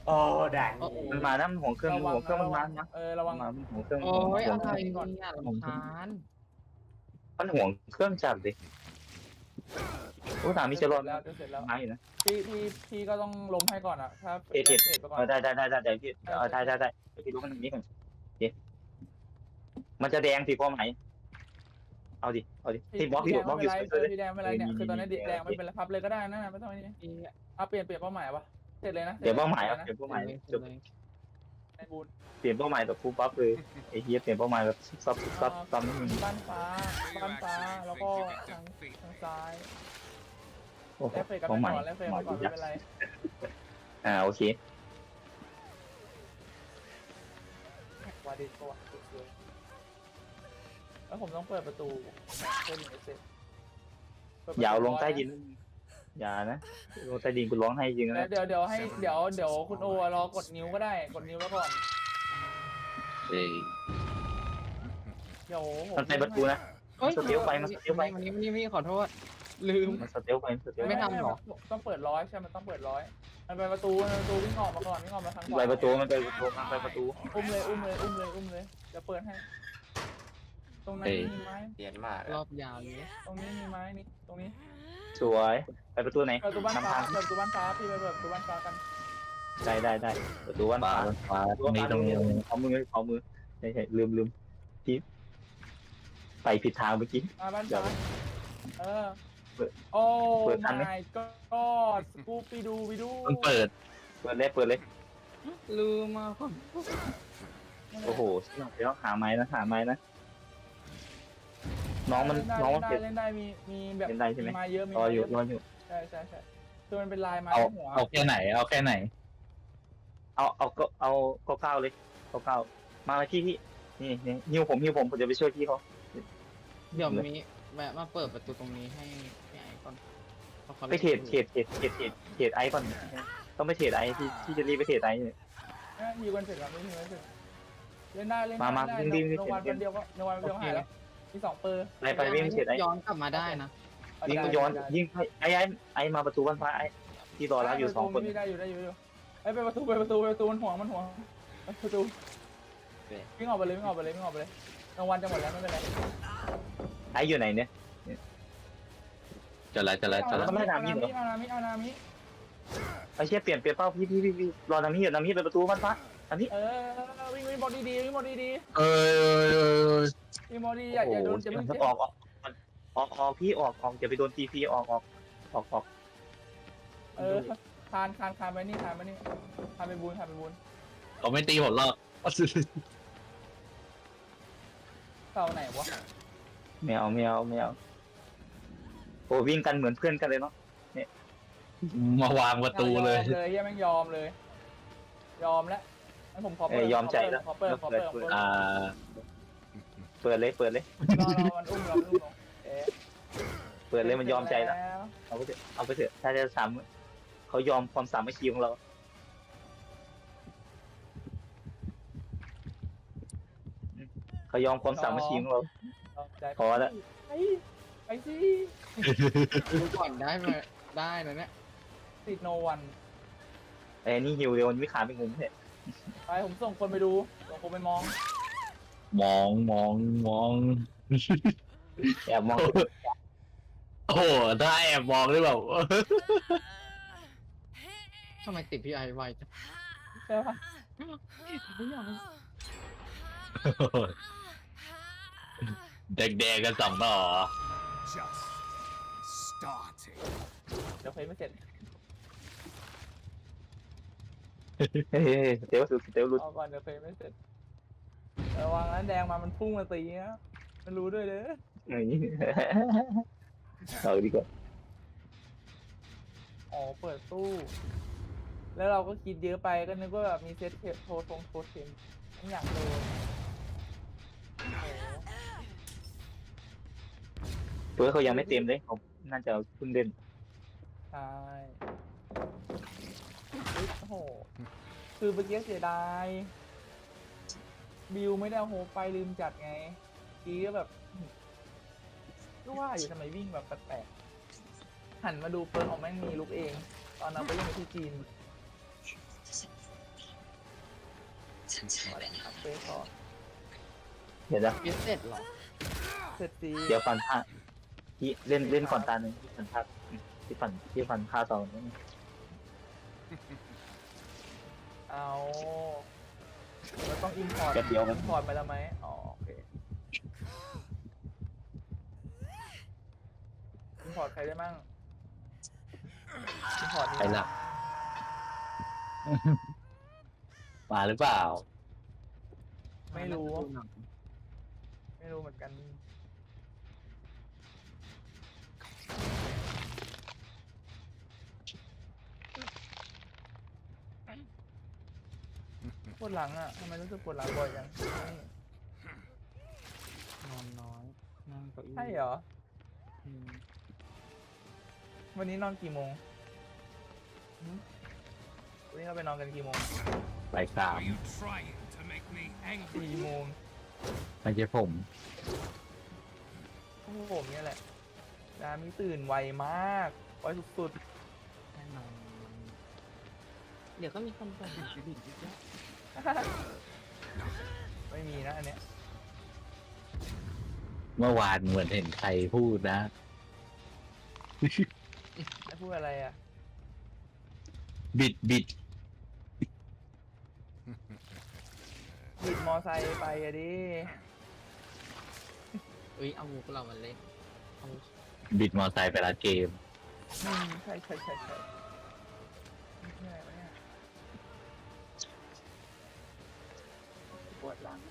โอ้ด่านนี้มันมานะมันห่วงเครื่องระวังมันห่วงเครื่องมันมานะระวังมันห่วงเครื่องโอ้ยห่วอะงไรเครื่องเนี่ยรำคาญมันห่วงเครื่องจัดดิโอ้ถามมิจะรอดแล้วจะเสร็จแล้วไม่นะพี่ก็ต้องล้มให้ก่อนอ่ะถ้าเอ็ดเสร็จไปก่อนได้เดี๋ยวพี่ได้เดี๋ยวพี่รู้มันนี้ก่อนมันจะแดงสิพอไหมเอาดิที่บล็อกอยู่พี่แดงไม่เป็นไรเนี่ยคือตอนนี้แดงไม่เป็นไรพับเลยก็ได้นะไม่ต้องนี่เอาเปลี่ยนเป้าหมายวะเสร็จเลยนะเปลี่ยนเป้าหมายเปลี่ยนเป้าหมายในบูนเปลี่ยนเป้าหมายแบบฟูลปั๊บเลยไอ้เหี้ยเปลี่ยนเป้าหมายแบบซับตามนิดนึงบ้านฟ้าแล้วก็ทางซ้ายโอ้โหแล้วเฟรกันเป้าหไปมายก่อนแล้วเฟรกันก่อนไม่เป็นไรโอเควาดิโก้แล้วผมต้องเปิดประตูเพื่อดึงเอเซ็ตอย่าลงใต้ดินอย่านะลงใต้ดินกูร้องให้จริงนะเดี๋ยวคุณโอรอกดนิ้วก็ได้กดนิ้วแล้วก่อน เดี๋ยวมันไปประตูนะเฮ้ยสเตลไปมันสเตลไปวันนี้ขอโทษ ลืมมันสเตลไปไม่ทำหรอต้องเปิดร้อยใช่มันต้องเปิดร้อยมันไปประตูวิ่งออกมาก่อนวิ่งออกมาทางขวาไปประตูมันไปประตูอุ้มเลยจะเปิดให้ตรงนั้นมีไม้เรียนมากรอบยาวเลยตรงนี้มีไม้นี่ตรงนี้สวยไปประตูไหนเปิดประตูบ้านฟ้าพี่ไปเปิดประตูบ้านฟ้ากันได้ประตูวันฟ้าตรงนี้เอามือใช่ลืมพี่ไปผิดทางเมื่อกี้มาบ้านฟ้าโอ้ my god กูไปดูมันเปิดเลยลืมมาก่อนโอ้โหเดี๋ยวหาไม้นะน้องมันเล่นได้มีแบบเล่นได้ใช่ไหมไม้เยอะรออยู่ใช่คือมันเป็นลายไม้หัวเอาแค่ไหนเอาก็ก้าวเลยก้าวมาที่นี่หิวผมจะไปช่วยพี่เขาเดี๋ยวมีแวะมาเปิดประตูตรงนี้ให้พี่ไอ้ก่อนไปเทรดไอก่อนต้องไปเทรดไอที่จะรีบไปเทรดไอเลยมีวันเสร็จแล้วไม่มีวันเสร็จเล่นได้มาวิ่งในวันเดียวหายแล้วมี2เปอร์ไปวิ่งเทรดไอย้อนกลับมาได้นะยิงย้อนยิงไอมาประตูบ้านฟ้าไอที่รอรับอยู่2 คนได้อยู่ไอ้ไปประตูมันห่วงประตูวิ่งออกไปเลยรางวัลจะหมดแล้วไม่เป็นไรไออยู่ไหนเนี่ยจะไรเอานามิไอเชี่ยเปลี่ยนเป้าพี่รอนามิอยู่นามิไปประตูบ้านฟ้านามิวิ่งบอดี้ดีวิ่งบอดี้ดีเอ้ยวิ่งบอดี้อย่าโดนจะไม่ออกพี่ออกอย่าไปโดนตีพีออกคานไปนี่คานไปบูนเขาไม่ตีผมหรอกเสาไหนวะไม่เอาโอ้วิ่งกันเหมือนเพื่อนกันเลยเนาะมาวางประตูเลยเฮียแม่งยอมแล้วงั้นผมขอเปิดยอมใจแล้วขอเปิดเปิดเลยรอเปิดเลยมันอุ้มเปิดเลยมันยอมใจแล้วเอาไปเถอะถ้าจะซ้ำเขายอมความสามัคคีของเราเขายอมความสามัคคีของเราพอแล้วไปสิดูก่อนได้ไหมได้นะเนี่ยติดโนวันไอ้นี่หิวเดี๋ยวมันไม่ขาดไปงุ้มเนี่ยไปผมส่งคนไปดูส่งคนไปมองมองแอบมองโอ้โหถ้าแอบมองได้แบบทำไมติดพี่ไอ้ไวจังใช่ปะแดงกัน2 ต่อ just starting เดี๋ยวเพลไม่เสร็จเฮ้ยเต๋วรุดเอาก่อนเดี๋ยวเพลไม่เสร็จระวังนั้นแดงมามันพุ่งมาตีนะมันรู้ด้วยเด้อเอาดีกว่าอ๋อเปิดตู้ แล้วเราก็คิดเยอะไปก็นึกว่าแบบมีเซตเทปโทรเทมไม่อยากโดนเพื่อเขายังไม่เต็มเลยเขาน่าจะเพิ่งเล่นใช่โอ้โหคือเมื่อกี้เสียดายบิวไม่ได้เอาโฮไปลืมจัดไงกี้ก็แบบก็ว่าอยู่ทำไมวิ่งแบบแปลกๆหันมาดูเปิร์ออกแม่งมีลุกเอง ตอนนั้นไปเล่นที่จีนอัพเฟสก่อนเดี๋ยวนะเย็ดเสร็จเหรอเสร็จดีเดี๋ยวฟันผ้าที่เล่นก่อนตาหนึ่งที่ฟันผ้าที่ฟันผ้าตอนนี้เอาเราต้องอินพอร์ตแป๊บเดียวมันอินพอร์ตไปแล้วไหมอ๋อโอเคอินพอร์ตใครได้มั่งอินพอร์ตนี่ใครหลับ มาหรือเปล่าไม่รู้ไม่รู้เหมือนกันปวดหลังอ่ะทำไมรู้สึกปวดหลังบ่อยจังนี่นอนน้อยนั่งเก้าอี้ใช่เหรออืมวันนี้นอนกี่โมงหึวันนี้เราไปนอนกันกี่โมงบ่ายสาม Are you trying to make me angry? 4 โมงไม่ใช่ผมพวกผมเนี่ยแหละดามีตื่นไวมากไวสุดแน่นอนเดี๋ยวก็มีคนบ่นบิดอีกแล้วๆ ไม่มีนะอันเนี้ยเมื่อวานเหมือนเห็นใครพูดนะไม่พูดอะไรอ่ะบิดบิดมอไซค์ไปอะดิเอ้ยเอามุกเรามาเล่นเอาบิดมอไซค์ไปร้านเกมใช่ไม่ใช่อะไรวะเนี่ยปวดหลัง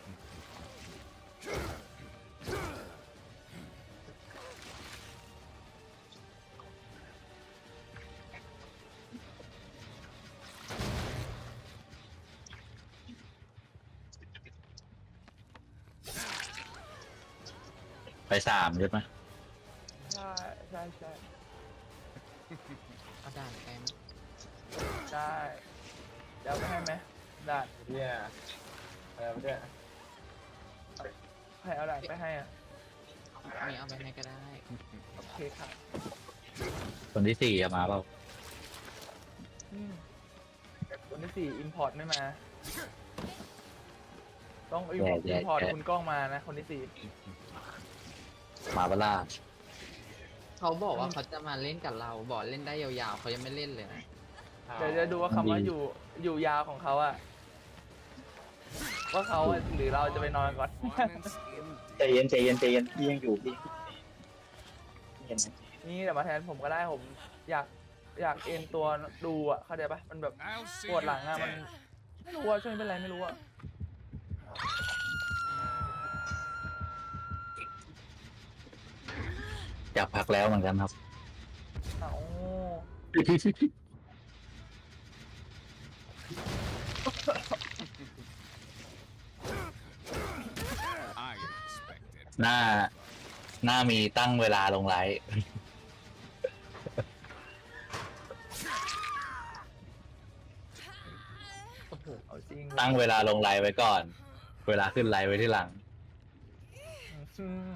ไปสามใช่ไหมใช่เอาด่านไปไหมใช่เดี๋ยวไปให้ไหมด่าน Yeah. เนี่ยใครเอาด่านไปให้อ่ะมีเอาไปให้ก็ได้โอเคค่ะคนที่สี่จะมาเปล่าคนที่4 อิมพอร์ตไม่มา ต้องอิมพอร์ตคุณกล้องมานะ คนที่มาเปะล่าเขาบอกว่าเขาจะมาเล่นกับเรา บอกเล่นได้ยาวๆเขายังไม่เล่นเลยนะ 4 เดี๋ยวจะดูว่าคำว่าอยู่ยาวของเขาอะว่าเขาอะหรือเราจะไปนอนก่อน Performance ใจเย็นพี่ยังอยู่พี่เห็นไหมนี่แต่มาแทนผมก็ได้ผมอยากเอ็นตัวดูอะเข้าใจปะมันแบบ I'll see ปวด you หลังอะมัน dead. ไม่รู้ว่าช่วยเป็นไรไม่รู้อะอยากพักแล้วเหมือนกันครับเอา I expected. หน้ามีตั้งเวลาลงไลฟ์โอ้โหเอาจริงตั้งเวลาลงไลฟ์ไว้ก่อน เวลาขึ้นไลฟ์ไว้ที่หลังอืม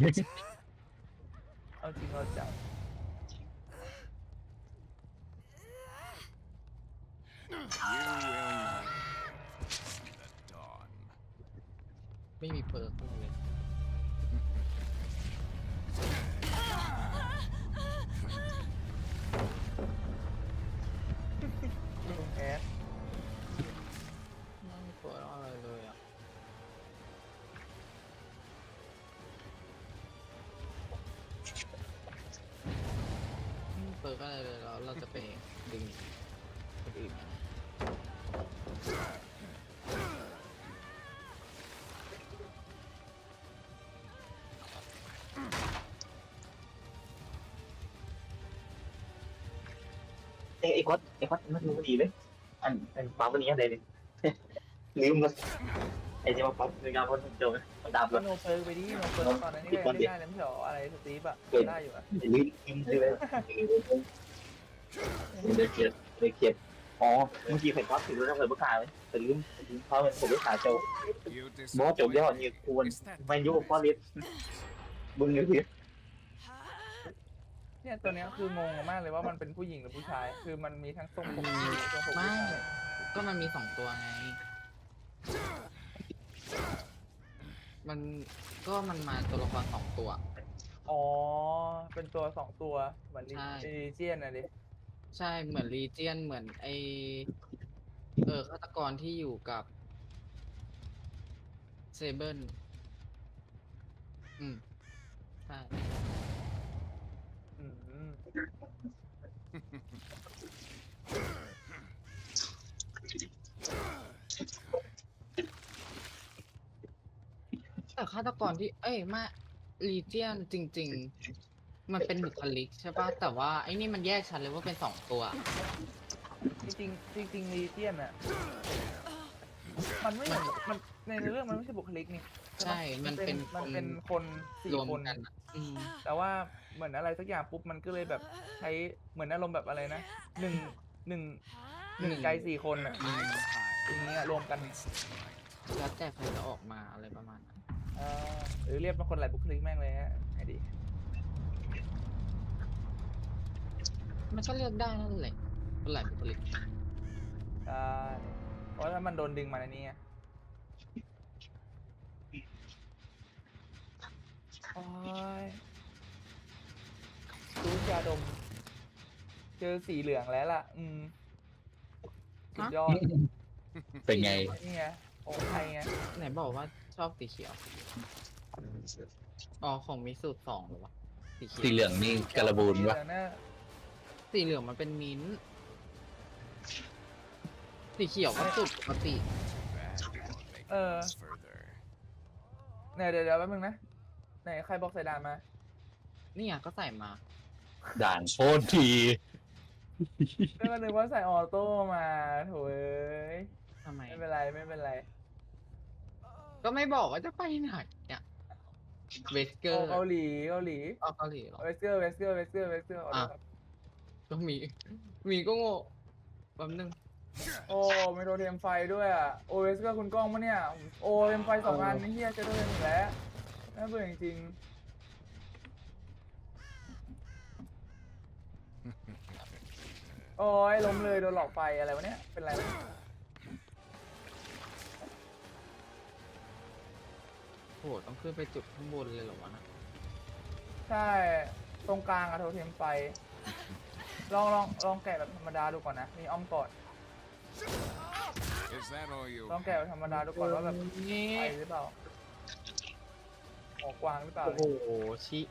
เอาจริงเอาจัง You will meet the dawn. ไม่มีเปิร์กเลยลุงแอดไม่มีเปิร์กอะไรเลยอ่ะไม่มีเปิร์กอะไรเลยแล้วเราจะไปดึงคนอื่นมาไอ้ก๊อตมันรู้ดีเลยอันปั๊มวันนี้อะไรเนี่ย ลืมมันไอ้ที่มาปั๊มในงานคนเดียวมันดำก็แล้วโนเปิร์กไปดิโนเปิร์กตอนนั้นนี่ก็ยังไม่ได้เลยไม่ใช่หรออะไรสตีฟอะได้อยู่อะลืมเลยเขียนอ๋อเมื่อกี้เห็นปั๊มถึงแล้วเผยประกาศเลยแต่ลืมเพราะมันผมไม่ขาโจ You บอกว่าจบยอด disappointed. นี่ควร Is that ไม่ยุ่งเพราะลิฟมึงเลยพี่เนี่ยตัวเนี้ยคืองงมากเลยว่ามันเป็นผู้หญิงหรือผู้ชาย คือมันมีทั้งทรงผมผู้หญิงทรงผมไม่ผู้ชายก็มันมี2 ตัวไงมันก็มันมาตัวละคร2 ตัวอ๋อ เป็นตัวสองตัวเหมือนใช่ลีเจียนอะดิใช่เหมือนลีเจียนเหมือนไอฆาตกรที่อยู่กับเซเบิลใช่อืมแต่ฆาตกรที่มาลีเจียนจริง ๆ มันเป็นบุคลิกใช่ปะแต่ว่าไอ้นี่มันแยกชัดเลยว่าเป็น2 ตัวจริงๆจริงๆลีเจียนอะมันไม่เหมือนมันในเรื่องมันไม่ใช่บุคลิกนี่ใช่มันเป็นมันเป็นคนสี่รวมคนกันอะแต่ว่าเหมือนอะไรสักอย่างปุ๊บมันก็เลยแบบใช้เหมือนอารมณ์แบบอะไรนะหนึ่งใจ4 คนอ่ะ I am อย่างเงี้ยรวมกันแล้วแต่ใครจะออกมาอะไรประมาณนั้นหรือเรียกเป็นคนหลายบุคลิกแม่งเลยฮะไงดีมันก็เลือกได้นั่นแหละคนหลายบุคลิกใช่เพราะถ้ามันโดนดึงมาในนี้ไงโอ้ยรู้ยาดม เจอสีเหลืองแล้วล่ะ สุดยอดเป็นไงนี่ไงของไทยไงไหนบอกว่าชอบสีเขียว อ๋อ ของมิสูตร2หรือวะสีเขียวสีเหลืองนี่กระบูนวะสีเหลืองน่ะสีเหลืองมันเป็นมิ้นท์สีเขียวก็สุดปกติ bad for making เออ us further. เนี่ยเดี๋ยวแป๊บนึงนะ ไหนใครบอกใส่ดานมานี่อ่ะก็ใส่มาด่านโคตรทีก็นึกว่าใส่ออโต้มาโถเอ้ยทำไมไม่เป็นไรไม่เป็นไรก็ไม่บอกว่าจะไปไหนเนี่ยเวสเกอร์เกาหลีเกาหลีอ๋อเกาหลีเหรอเวสเกอร์เวสเกอร์เวสเกอร์เวสเกอร์อ่ะ ก็มีก็โง่แป๊บนึงโอ้มีโดเทมไฟด้วยอ่ะโอเวสเกอร์คุณกล้องปะเนี่ยโอเทมไฟ2 อันนี่เฮียจะโดเทมอีกแล้วน่าเบื่อจริงๆโอ้ยล้มเลยโดนหลอกไฟอะไรวะเนี่ยเป็นไรวะโหต้องขึ้นไปจุดข้างบนเลยเหรอวะนะใช่ตรงกลางอะโทเทมไฟลองแกะแบบธรรมดาดูก่อนนะมีอ้อมกอด Is that all you ลองแกะแบบธรรมดาดูก่อนว่าแบบนี่ไปหรือเปล่าออกกวางหรือเปล่าโอ้โหชิ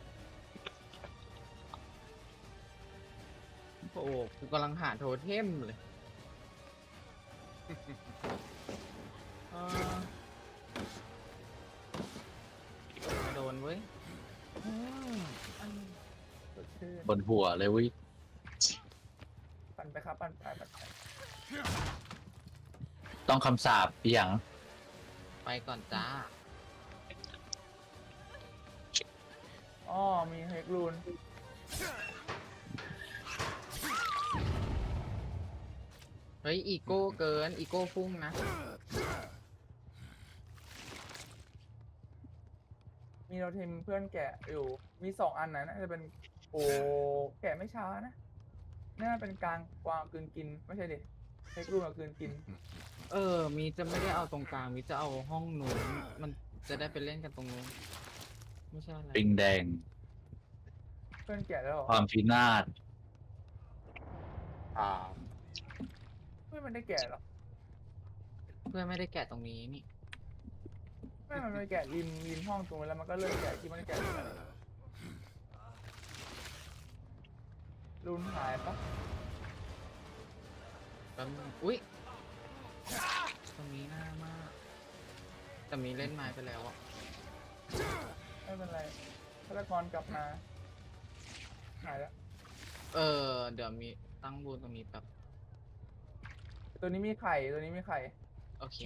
โอ้โหกูกำลังหาโทเทมเลยเออโดนเว้ยอืมสดชื่นบนหัวเลยเวิปั่นไปครับปั่นไปต้องคำสาปอีหยังไปก่อนจ้าอ๋อมีเฮกรูนเฮ้ย อีโก้เกิน อีโก้พุ่งนะมีโนเทมเพื่อนแกะอยู่มี2 อันนะน่าจะเป็นโอ้แกะไม่ช้านะน่าเป็นกลางกวางกลืนกินไม่ใช่ดิเฮกรูนกับกลืนกินมีจะไม่ได้เอาตรงกลาง มีจะเอาห้องนู้นมันจะได้ไปเล่นกันตรงนู้น ไม่ใช่อะไรปิงแดงเพื่อนแกะแล้วเหรอความพินาศไม่มันได้แกะหรอเพื่อนไม่ได้แกะตรงนี้นี่ไม่มันไปแกะริมห้องตรงนั้นแล้วมันก็เลิกแกะที่มันได้แกะตรงนั้นรูนหายปะแป๊บนึงอุ๊ย ตรงนี้น่ามาก แต่มีเล่นไม้ไปแล้วอ่ะไม่เป็นไรฆาตกรกลับมาหายแล้วเดี๋ยวมีตั้งบูนตรงนี้แบบตัวนี้มีไข่ตัวนี้มีไข่โอเค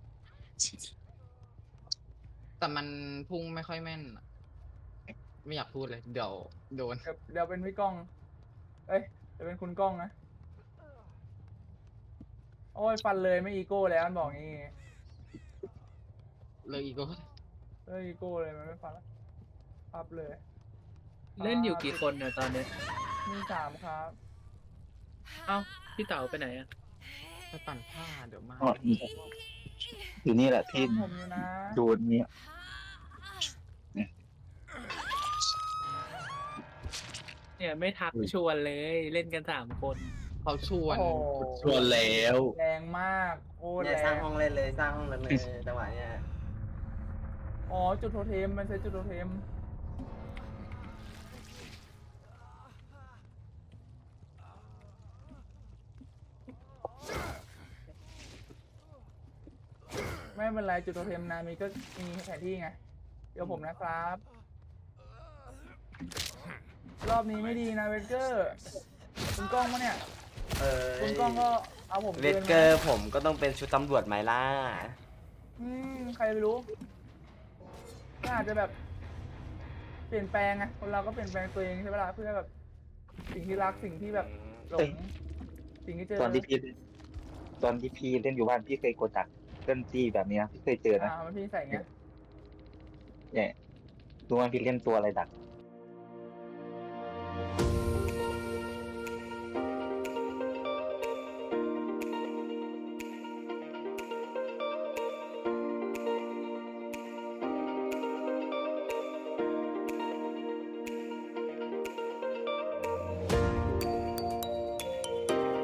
แต่มันพุ่งไม่ค่อยแม่นอะไม่อยากพูดเลย เดี๋ยวโดนเดี๋ยวเป็นพี่ก้องเอ้ยเดี๋ยวเป็นคุณก้องนะโอ้ยฟันเลยไม่อีโก้แล้วมันบอกงี้เลยอีกก็เอ้ยอีโก้เลยมันไม่ฟันแล้วพับเลยเล่นอยู่กี่คนเนี่ยตอนนี้มี3 ครับเอ้า พี่เต๋าไปไหนอ่ะไปปั่นผ้าเดี๋ยวมาอ๋ออยู่นี่แหละที่ผมอยู่นะดูนี้เนี่ยไม่ทักชวนเลยเล่นกัน3 คนเขาชวนโอ้โหชวนแล้วแรงมากโอ้เนี่ยแรสร้างงห้องเล่นเลยสร้างห้องเลยจังหวะเนี้ยอ๋อจุดโทเทมมันใช้จุดโทเทมไม่เป็นไรจุดโทเทมนามีก็มีแผนที่ไงเดี๋ยวผมนะครับ รอบนี้ไม่ดีนะเวสเกอร์คุณกล้องมาเนี่ย คุณกล้องก็เอาผมเวสเกอร์ผมก็ต้องเป็นชุดตำรวจไหมล่ะใครไม่รู้ก็อาจจะแบบ เปลี่ยนแปลงไงคนเราก็เปลี่ยนแปลงตัวเองใช่ไหมล่ะเพื่อแบบ สิ่งที่รักสิ่งที่แบบหลงสิ่งที่เจอตอนที่พี่เล่นอยู่บ้านพี่เคยกดดักเล่นจี้แบบนี้นะพี่เคยเจอนะมันพี่ใส่ไงเนี่ยดูว่าพี่เล่นตัวอะไรดัก